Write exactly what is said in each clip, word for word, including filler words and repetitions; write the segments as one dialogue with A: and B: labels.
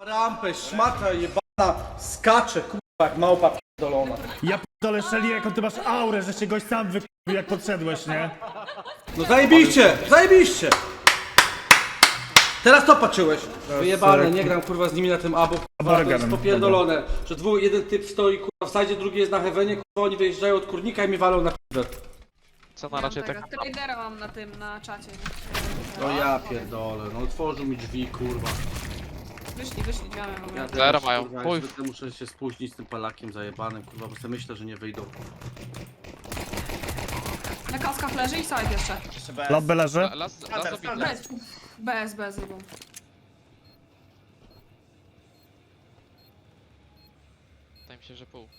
A: Rampę, szmata jebana, skacze, kurwa, jak małpa pierdolona.
B: Ja p***dolę Shelly, jaką ty masz aurę, że się goś sam wykupił jak podszedłeś, nie?
A: No zajebiście, zajebiście! Teraz to patrzyłeś. Wyjebane, nie gram kurwa z nimi na tym abo, kurwa, to jest
B: Aborganem,
A: popierdolone. Że dwóch, jeden typ stoi kurwa w sajdzie, drugi jest na heavenie, kurwa oni wyjeżdżają od kurnika i mi walą na piwę.
C: Co na razie tak.
D: Tradera mam na tym, na czacie.
A: No ja pierdolę, no otworzył mi drzwi kurwa.
D: Wyszli, wyszli, drzwiami w ogóle.
A: Ja
C: Zero
A: teraz,
C: mają.
A: kurwa,
C: Chuj.
A: jak zwykle muszę się spóźnić z tym palakiem zajebanym, kurwa, bo sobie myślę, że nie wyjdą.
D: Na kaskach leży i side jeszcze.
E: Jeszcze bez.
B: Lobby leży.
C: Las, las obity.
D: Bez, bez, bez rybą.
C: Wydaje mi się, że pół.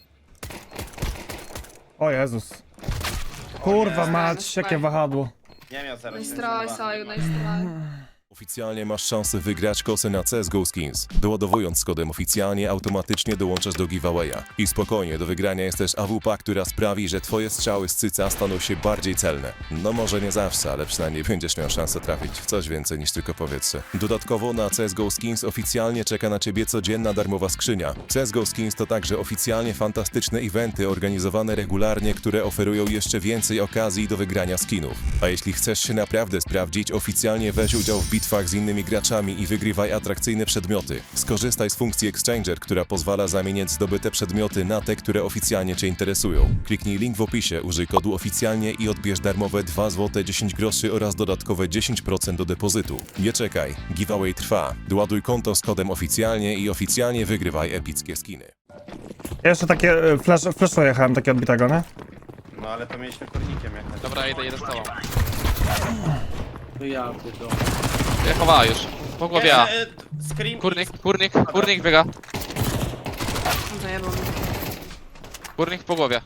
B: O Jezus. Kurwa
D: nie.
B: mać, jakie wahadło.
E: Nie miał zero.
D: No i straj, saju, no i straj.
F: Oficjalnie masz szansę wygrać kosę na C S G O Skins. Doładowując z kodem oficjalnie, automatycznie dołączasz do giveawaya. I spokojnie, do wygrania jest też A W P, która sprawi, że twoje strzały z cyca staną się bardziej celne. No może nie zawsze, ale przynajmniej będziesz miał szansę trafić w coś więcej niż tylko powietrze. Dodatkowo na C S G O Skins oficjalnie czeka na ciebie codzienna darmowa skrzynia. C S G O Skins to także oficjalnie fantastyczne eventy organizowane regularnie, które oferują jeszcze więcej okazji do wygrania skinów. A jeśli chcesz się naprawdę sprawdzić, oficjalnie weź udział w bitwach z innymi graczami i wygrywaj atrakcyjne przedmioty. Skorzystaj z funkcji Exchanger, która pozwala zamieniać zdobyte przedmioty na te, które oficjalnie Cię interesują. Kliknij link w opisie, użyj kodu oficjalnie i odbierz darmowe dwa złote dziesięć groszy oraz dodatkowe dziesięć procent do depozytu. Nie czekaj, giveaway trwa. Doładuj konto z kodem oficjalnie i oficjalnie wygrywaj epickie skiny.
B: Ja jeszcze takie e, flash, flashu jechałem, takie odbitego, nie?
E: No ale to mieliśmy kurnikiem jechać.
C: Dobra, idę, idę z tobą.
A: No ja pierdolę.
C: Ja chowała już. Po głowie A.
E: E, e, Scream.
C: Kurnik, kurnik, kurnik biega.
D: Zajebał mnie.
C: Kurnik po głowie.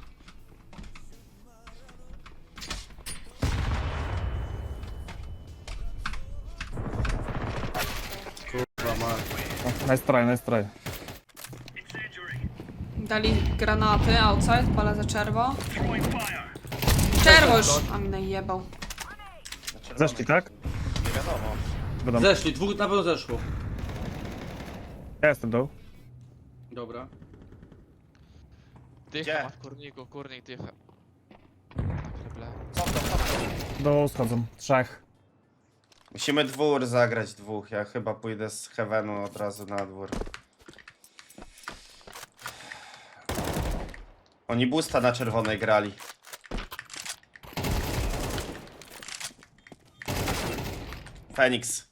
A: Kurwa ma.
B: Nice try, nice try.
D: Dali granaty, outside, palę za czerwo. Czerwo już! A mi najebał.
B: Zeszli, tak?
E: Nie wiadomo.
B: Wiadomo.
A: Zeszli, dwóch na pewno zeszło.
B: Ja jestem dół.
A: Dobra.
E: Gdzie?
C: Dycha ma w kurniku, kurnik dycha. Kreble.
E: Cofnął, cofnął.
B: Dół schodzą. Trzech.
E: Musimy dwór zagrać dwóch. Ja chyba pójdę z Heavenu od razu na dwór. Oni boosta na czerwonej grali. Fenix.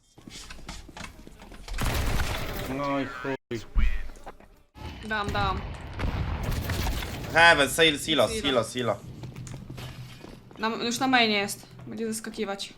A: No i chuj.
D: Dam, dam.
E: Heaven, silo, silo, silo, silo.
D: Na, już na mainie jest. Będzie zaskakiwać.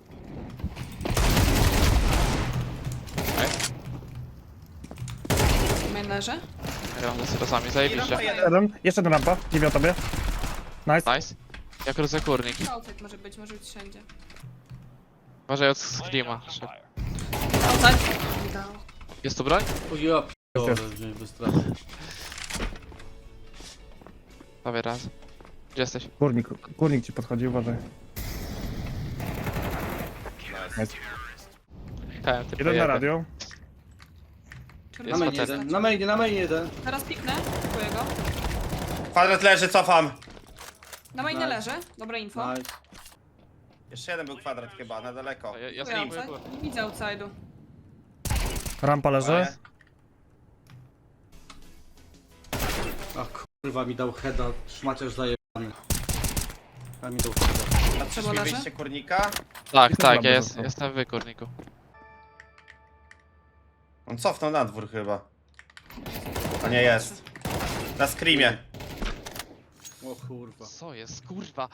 D: Main leży.
C: Gram ze syrosami, zajebiście.
B: Jeden. Jeszcze jedna rampa. Dziwię o tobie. Nice.
C: Nice. Jak krócę kurnik.
D: Outside może być, może być wszędzie.
C: Uważaj od screama.
D: Outside. Nie dał.
C: Jest tu broń?
A: O ja pierdolę, że mnie wystraszył.
C: Prawie raz. Gdzie jesteś?
B: Kurnik, kurnik ci podchodzi, uważaj. Nice.
C: Kałem, ty
B: Jeden na
C: pojebie.
B: radio.
A: Na
D: Czerwony.
A: main
C: facet.
A: jeden, na mainie, na main jeden.
D: Teraz piknę. Kupuję go.
E: Kwadrat leży, cofam.
D: Na mainie
A: Nice.
D: leży. Dobre info.
A: Nice.
E: Jeszcze jeden był kwadrat chyba, na daleko.
C: Ja, ja
D: Kupuję
C: streamuję
D: outside.
C: górę.
D: Nie widzę outside'u.
B: Rampa leży.
A: Ach kurwa mi dał heada, szmaciarz zajebany. A mi dał heada.
E: A
D: Trzeba
E: mi
D: leży?
E: wyjście kurnika?
C: Tak,
B: Jestem
C: tak,
B: dobry
C: ja jest,
B: został.
C: jestem w kurniku.
E: On cofnął na dwór chyba. A nie jest. Na screamie.
A: O kurwa.
C: Co jest, kurwa?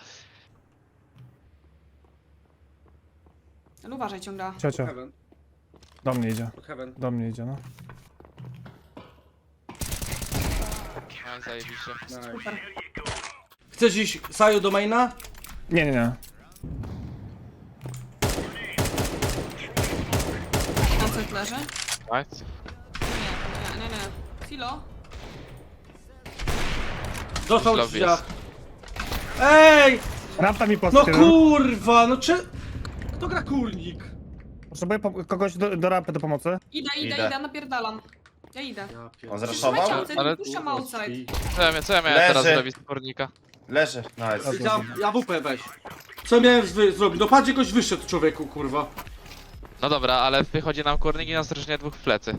D: Ale uważaj ciągle.
B: Ciocio.
A: Heaven,
B: Do mnie idzie.
A: pod heaven.
B: Do mnie idzie, no.
C: No i zajebiście.
A: Nice.
D: Super.
A: Chcesz iść Saju do maina?
B: Nie, nie, nie.
D: Outside leży.
C: Nice.
D: Nie, nie, nie, nie. Filo.
A: Dostał
C: Lobby
A: drzwiach.
C: jest.
A: Ej!
B: Rampa mi
A: No
B: podskierował.
A: kurwa, no cze... Kto gra kurnik?
B: Potrzebuję po kogoś do, do rampy do pomocy.
D: Idę, idę,
E: Idę.
D: idę, napierdalam. Ja idę.
A: Ja
E: On
A: pierdolę.
E: zraszował?
D: Trzymajcie outside,
C: Ale-
D: puszczam outside.
C: Co ja, mia- co ja miałem
E: Leży.
C: teraz zrobić z kurnika?
E: Leży. Nice.
A: Ja, ja W P weź. Co miałem zwy- zrobić? No patrz, jakoś wyszedł człowieku, kurwa.
C: No dobra, ale wychodzi nam kurnik i nas różnie dwóch w plecy.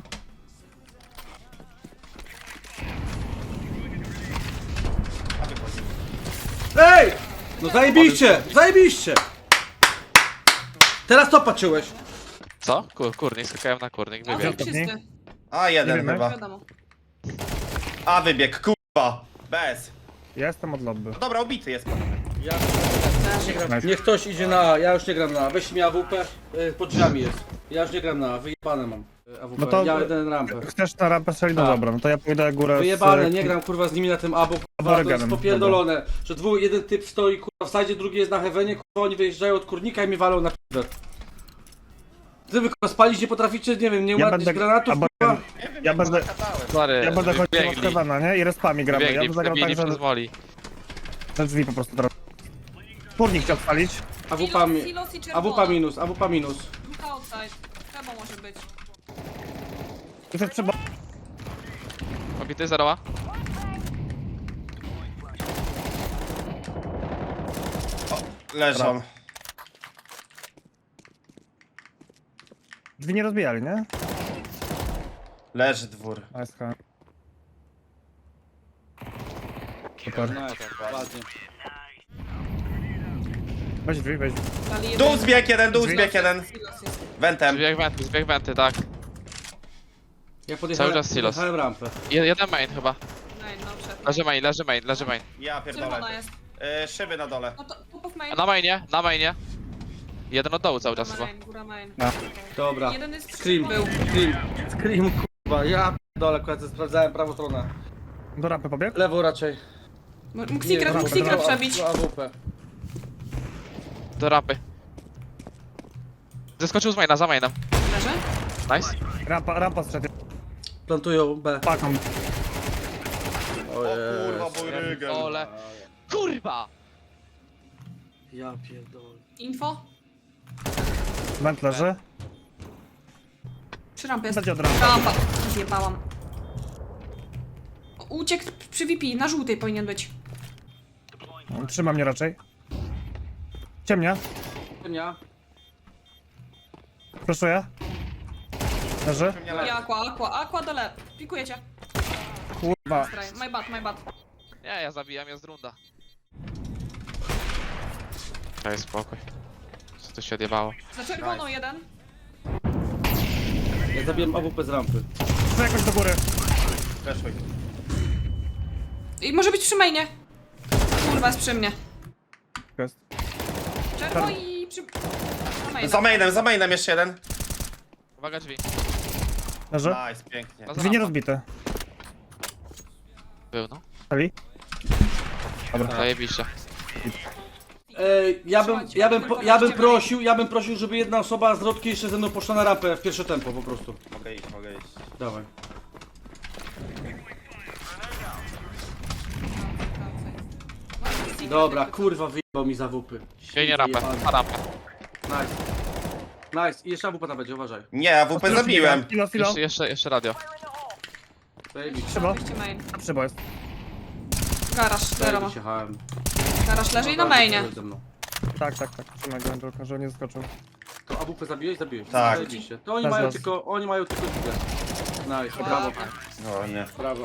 A: Ej! No zajebiście! Zajebiście! Teraz to patrzyłeś.
C: Co? Kur, kurnik, skakałem na kurnik,
D: A
C: wybiegł.
D: wy wszyscy.
E: A,
B: Nie
E: jeden
B: wiemy.
E: chyba.
D: Wiadomo.
E: A, wybieg, kurwa. Bez.
B: Ja jestem od lobby.
E: No dobra, ubity jest.
A: Ja nie gram.
B: Nice.
A: Niech ktoś idzie na A, ja już nie gram na A. Weź mi A W P, y, pod drzwiami jest. Ja już nie gram na A, wyjebane mam. y, A W P.
B: No to-
A: Ja jeden rampę.
B: Chcesz na rampę strzelić? No
A: Tak.
B: dobra, no to ja pójdę górę z...
A: Wyjebane, nie gram kurwa z nimi na tym A, bo kurwa to jest
B: Aborygenem,
A: popierdolone. Że dwóch, jeden typ stoi kurwa w sajdzie, drugi jest na heavenie, kurwa oni wyjeżdżają od kurnika i mi walą na p***. Wy kurwa spalić nie potraficie, nie wiem, nie
B: Ja
A: uładnić
B: będę...
A: granatów
B: abo-
A: kurwa.
B: Ja będę...
C: Sorry,
B: Ja będę chodził od
C: wybiegli,
B: Kevana, nie? I respami gramy. Ja
C: wybiegli,
B: bym zagrał tak,
C: wybili
B: że
C: przez moli.
B: te drzwi po prostu teraz. Kurnik chciał spalić.
A: A W P mi...
D: Silos i
A: A W
D: czerwona.
A: P minus, A W P minus.
D: Dwóch outside. Trzeba może być.
B: Już jest trzeba...
C: Obity zeroła?
E: Leżą.
B: Drzwi nie rozbijali, nie?
E: Leży dwór.
B: Nice, ha. Super.
A: No, ładnie.
B: Weź drzwi, weź drzwi.
D: Dali
E: Dół
D: jeden.
E: zbieg jeden, dół zbieg jeden.
D: Silos jest.
E: Wentem.
C: Zbieg wenty, zbieg wenty, tak.
A: Ja podjechałem,
C: Cały czas silos.
A: podjechałem rampę.
C: Je- Jeden main chyba.
D: Nein, no przed.
C: Leży main, leży main, leży main.
E: Ja
D: Czerwona
E: pierdolę.
D: jest.
E: Y, szyby na dole.
D: No to top of main.
C: A na mainie, na mainie. Jeden od dołu cały czas chyba.
D: Main, góra main.
A: Dobra.
D: Jeden jest
A: Scream,
D: był.
A: Scream, Scream kurwa, ja dole akurat sprawdzałem prawą stronę.
B: Do rampy pobiegł?
A: Lewo raczej.
D: Mógł secret, mógł
B: dobra,
D: secret
B: dobra.
D: przebić.
A: A W P.
C: Do rampy. Zeskoczył z maina, za mainem.
D: Leży?
C: Nice.
B: Rampa, rampa strzedł.
A: Plantują B.
B: Paką.
E: O kurwa, mój rygel.
C: Ole. Kurwa!
A: Ja pierdolę.
D: Info?
B: Węd leży.
D: Przy rampie jest.
B: Będzie od rampy.
D: Rampa. Zjebałam. Uciekł przy V P, na żółtej powinien być.
B: Trzyma mnie raczej. Ciemnia.
A: Ja.
B: Proszę. Leży.
E: Nie leży.
D: I aqua, aqua, aqua dole. Pikujecie.
B: Kurwa.
D: Straj. My bad, my bad.
C: Nie, ja zabijam, jest runda. Daj spokój. Co tu się odjebało?
D: Za czerwoną jeden.
A: Ja zabiłem A W P z rampy.
B: Chcę jakoś do góry.
E: Weszły.
D: I może być przy mainie. Kurwa, jest przy mnie.
B: Jest.
D: Czerwo i przy... Na maina.
E: Za mainem, za mainem jeszcze jeden.
C: Uwaga drzwi.
B: Leży.
E: Nice, pięknie.
C: No,
B: Drzwi nie rozbite.
C: Był no.
B: Ali?
C: Zajebiście.
A: Ej, ja bym,
D: Trzymajcie,
A: ja bym,
D: tylko
A: ja bym
D: weźcie
A: prosił, ja bym prosił, żeby jedna osoba z rodki jeszcze ze mną poszła na rampę w pierwsze tempo po prostu.
E: Mogę iść, mogę iść.
A: Dawaj. Dobra, kurwa wyjebał mi zawupy.
C: Biegnie rampę, na rampę.
A: Nice. Nice. I jeszcze A W P tam będzie, uważaj.
E: Nie, A W P zabiłem.
B: Filo, filo.
C: Jeszcze, jeszcze, jeszcze radio.
A: Zajebiście.
B: Szybo.
D: Wyjście main.
B: Szybo jest.
D: Garaż, zero ma.
A: Zajebiście, hałem.
D: Garaż leży i na mainie.
A: Ze mną.
B: Tak, tak, tak. Trzymaj go, tylko żeby nie zaskoczył.
A: To A W P zabiłeś? Zabiłeś.
E: Tak.
A: Zajebiście. To oni
B: Raz,
A: mają
B: raz.
A: tylko, oni mają tylko ligę. Nice, brawo.
E: No nie.
A: Brawo.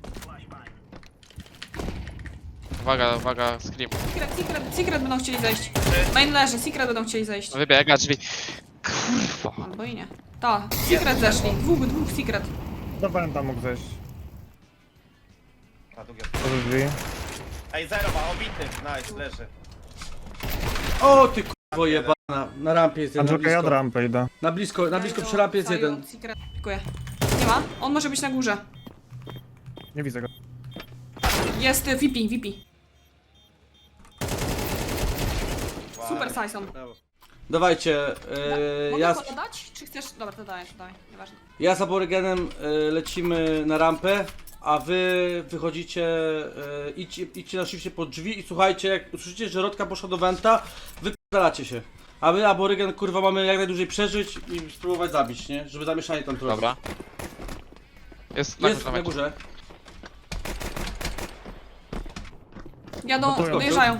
C: Uwaga, uwaga, scream.
D: Secret, secret, secret będą chcieli zejść. Main leży, secret będą chcieli zejść.
C: Wybiega drzwi. Kurwa.
D: Albo i nie. Ta, secret zeszli. Dwóch, dwóch secret.
B: Do Węda mógł zejść.
E: A, długie.
B: Do drzwi.
E: Ej, zero ma, obity. Nice, leży.
A: O ty kurwo jebana. Na rampie jest jeden, na
B: Andrzejka, ja od
A: blisko.
B: rampy idę.
A: Na blisko, na blisko przy rampie jest jeden.
D: Secret. Dziękuję. Nie ma? On może być na górze.
B: Nie widzę go.
D: Jest y, V P, V P. Super Syson.
A: Dawajcie, yy,
D: Mogę
A: ja,
D: ja... dać? Czy chcesz? Dobra, to daję, to daję. Nieważne.
A: ja z aborygenem yy, lecimy na rampę, a wy wychodzicie, yy, idźcie, idźcie na shifcie pod drzwi i słuchajcie, jak usłyszycie, że Rodka poszła do Wenta, wypierdalacie się. A my, aborygen, kurwa, mamy jak najdłużej przeżyć i spróbować zabić, nie? Żeby zamieszanie tam trochę.
C: Dobra. Jest na
A: Jest
C: górze.
A: na górze.
D: Jadą,
B: Gotują.
D: dojeżdżają.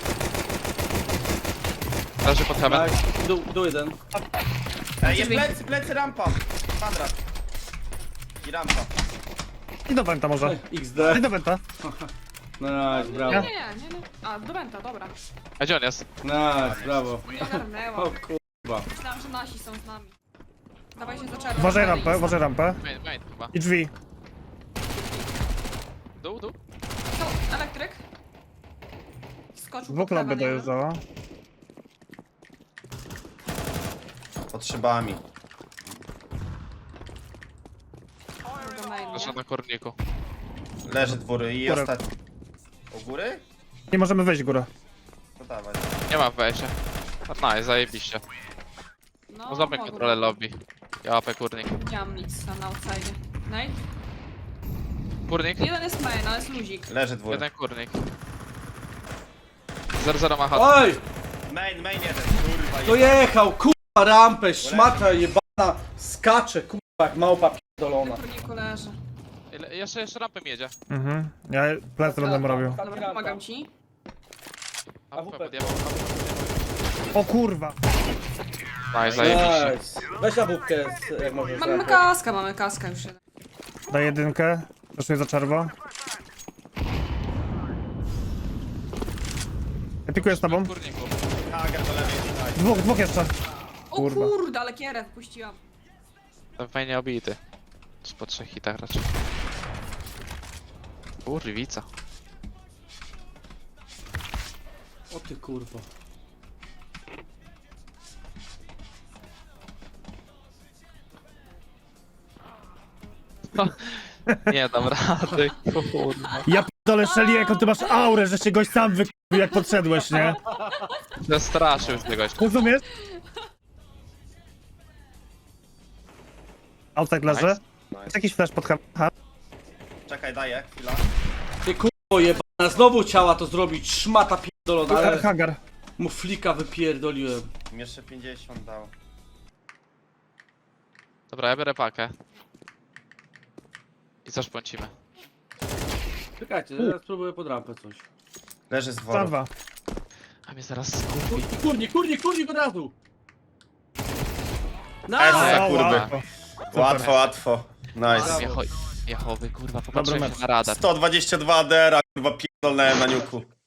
C: Leży pod heaven.
A: Tak, dół, dół jeden.
E: Ej, jest
D: Drzwi.
E: plecy, plecy, rampa. Kwadrat. I rampa.
B: I do Wenta może.
A: X
B: I
A: D.
B: do Wenta.
A: Nice, brawo.
D: Nie, nie, nie, nie. A, do Benta, dobra.
C: A gdzie on jest?
A: Nice, brawo.
D: Ogarnęłam.
A: O kurwa.
D: Myślałam, że nasi są z nami. Dawaj się za czerwą.
B: Uważaj rampę, uważaj rampę.
C: Main, main chyba.
B: I drzwi.
C: Dół, dół.
D: Co? Elektryk? Skoczył
B: Dwóch
D: pod
B: lampy
D: heaven, jeden.
B: dojeżdżała.
E: Pod szybami.
D: Do mainu,
C: Leży
D: nie?
C: na kurniku.
E: Leży dwóry i
B: Górę.
E: ostatni. U góry?
B: Nie możemy wejść w górę.
E: To dawaj.
C: Nie ma wejścia. A nice, zajebiście.
D: No,
C: No złapmy
D: mogą.
C: kontrolę lobby. Ja łapę kurnik.
D: Nie mam nic na outside. Nate?
C: Kurnik?
D: Jeden jest main, ale jest luzik.
E: Leży dwóry.
C: Jeden kurnik. zero zero ma chat.
A: Oj!
E: Main, main jeden. Kurwa, jest.
A: Dojechał, kurwa, rampę, szmata jebana, skacze, kurwa, jak małpa
D: Na
A: pierdolona.
D: kurniku leży.
C: Ile- Jeszcze, jeszcze rampem jedzie.
B: Mhm. Ja plecy będę mu robił.
D: Dobra, pomagam ci.
C: A W P podjechał.
B: O kurwa.
C: Nice, zajebiście.
A: Nice. Weź na bubkę, jak możesz.
D: Mamy
A: rampę.
D: kaska, mamy kaska już jeden.
B: Daj jedynkę. Zresztą za czerwo. Ja pikuję z tobą.
C: Kurniku.
E: Hager do lewej. Nice.
B: Dwóch, dwóch jeszcze.
D: O
B: Kurwa.
D: kurde, ale kierę wpuściłam.
C: Ten fajnie obity. Z po trzech hitach raczej. Kurwica.
A: O ty kurwa.
C: Nie dam rady, kurwa.
B: Ja p***dolę Shelly, jaką ty masz aurę, że się gość sam wykupił jak podszedłeś, nie?
C: Zastraszył z tego.
B: Rozumiesz? Outside leży.
C: Nice.
B: Jest jakiś flash pod ha.
E: Czekaj, daję. Chwila.
A: Ty kurwo jebana, znowu chciała to zrobić, szmata pierdolona, ale
B: Hangar.
A: mu flika wypierdoliłem.
E: Mi jeszcze pięćdziesiąt dał.
C: Dobra, ja biorę pakę. I co szpącimy?
A: Czekajcie, teraz spróbuję pod rampę coś.
E: Leży z
B: Tam
E: wodą.
B: dwa.
C: A mnie zaraz skupi.
A: Kurnik, kurnik, kurnik od razu!
E: Ej,
A: Nice!
B: O,
E: kurwa.
B: łatwo.
E: Łatwo, łatwo. Nice.
C: Jecho, jechowy, kurwa,
B: Dobry
C: popatrzyłem
B: mecz.
C: się na radar.
E: sto dwadzieścia dwa A D R, kurwa, pierdolnąłem na niuku.